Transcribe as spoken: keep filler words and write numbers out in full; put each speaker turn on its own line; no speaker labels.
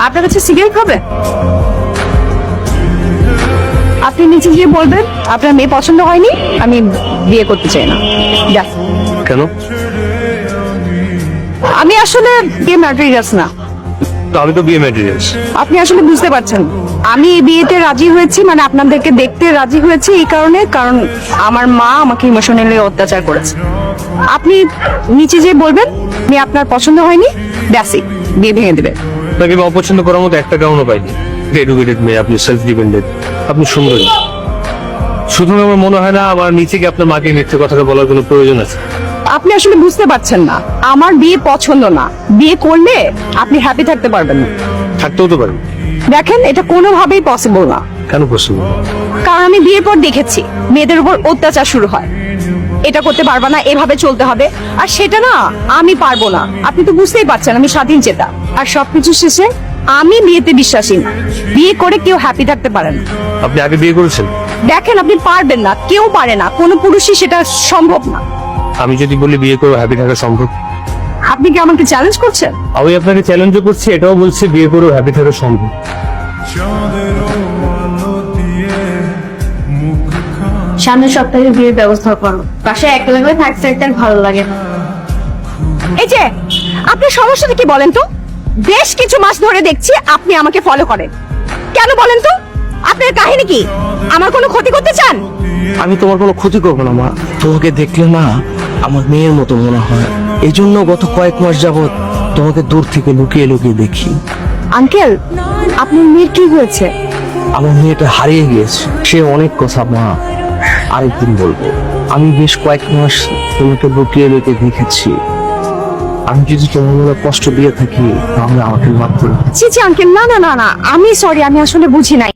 আপনার কাছে সিগারেট হবে? আপনি নিচে গিয়ে বলবেন আপনার মেয়ে পছন্দ হয়নি, আমি বিয়ে করতে চাই না। Yes.
কেন?
আমি আসলে বিয়ে ম্যাটেরিয়ালস না।
তো আমি তো বিয়ে ম্যাটেরিয়ালস।
আপনি আসলে বুঝতে পারছেন, আমি এই বিয়েতে রাজি হয়েছি মানে আপনাদেরকে দেখতে রাজি হয়েছি এই কারণে, কারণ আমার মা আমাকে ইমোশনালি অত্যাচার করেছে। আপনি নিচে যেয়ে বলবেন মেয়ে আপনার পছন্দ হয়নি, ব্যাসই বিয়ে ভেঙে দেবে।
আপনাকে আমি অপছন্দ করার মতো একটা কারণও পাইনি। এডুকেটেড মেয়ে, আপনি সেলফ ডিপেন্ডেন্ট, আপনি সুন্দরী। শুধু আমার মনে হয় না আমার নিচে গিয়ে আপনার মাকে মিথ্যে কথাটা বলার কোনো প্রয়োজন আছে।
আপনি আসলে বুঝতে পারছেন না, আমার বিয়ে পছন্দ না। বিয়ে করলে আপনি হ্যাপি থাকতে পারবেন না।
থাকতেও তো পারি।
দেখেন, এটা কোনোভাবেই পসিবল না।
কেন পছন্দ?
কারণ আমি বিয়ের পর দেখেছি মেয়েদের উপর অত্যাচার শুরু হয়। এটা করতে পারবা না, এভাবে চলতে হবে, আর সেটা না আমি পারবো না। আপনি তো বুঝতেই পারছেন আমি স্বাধীন চেতা। আর সবকিছু শেষে আমি বিয়েতে বিশ্বাসী না। বিয়ে করে কেউ হ্যাপি থাকতে পারে না।
আপনি আগে বিয়ে করেছেন?
দেখেন, আপনি পারবেন না, কেউ পারে না, কোনো পুরুষই সেটা সম্ভব না।
আমি যদি বলি বিয়ে করে হ্যাপি থাকা সম্ভব?
আপনি কি আমাকে চ্যালেঞ্জ করছেন?
আমি আপনাকে চ্যালেঞ্জও করছি, এটাও বলছি বিয়ে করে হ্যাপি থাকা সম্ভব।
সামনের সপ্তাহে বিয়ের ব্যবস্থা করো। বাসায় একটা লাগলে থাকতে একটা ভালো লাগে না।
এই যে আপনার সমস্যাটা কি বলেন তো? বেশ কিছু মাস ধরে দেখছি আপনি আমাকে ফলো করেন, কেন বলেন তো? আপনার কাহিনী কি? আমার কোনো ক্ষতি করতে চান?
আমি তোমার কোনো ক্ষতি করবো না মা। তোমাকে দেখলে না আমার মেয়ের মতো মনে হয়, এই জন্য গত কয়েক মাস যাবত তোমাকে দূর থেকে লুকিয়ে লুকিয়ে দেখি।
আঙ্কেল, আপনার মেয়ের কি হয়েছে?
আমার মেয়েটা হারিয়ে গিয়েছে। সে অনেক কথা মা, আরেকদিন বলবো। আমি বেশ কয়েক মাস তোমাকে লুকিয়ে লুকিয়ে দেখেছি। আমি যদি তোমার মনে কষ্ট দিয়ে থাকি তাহলে আমাকে মাফ করে দাও।
ছি ছি আঙ্কেল, না না না না, আমি সরি, আমি আসলে বুঝি নাই।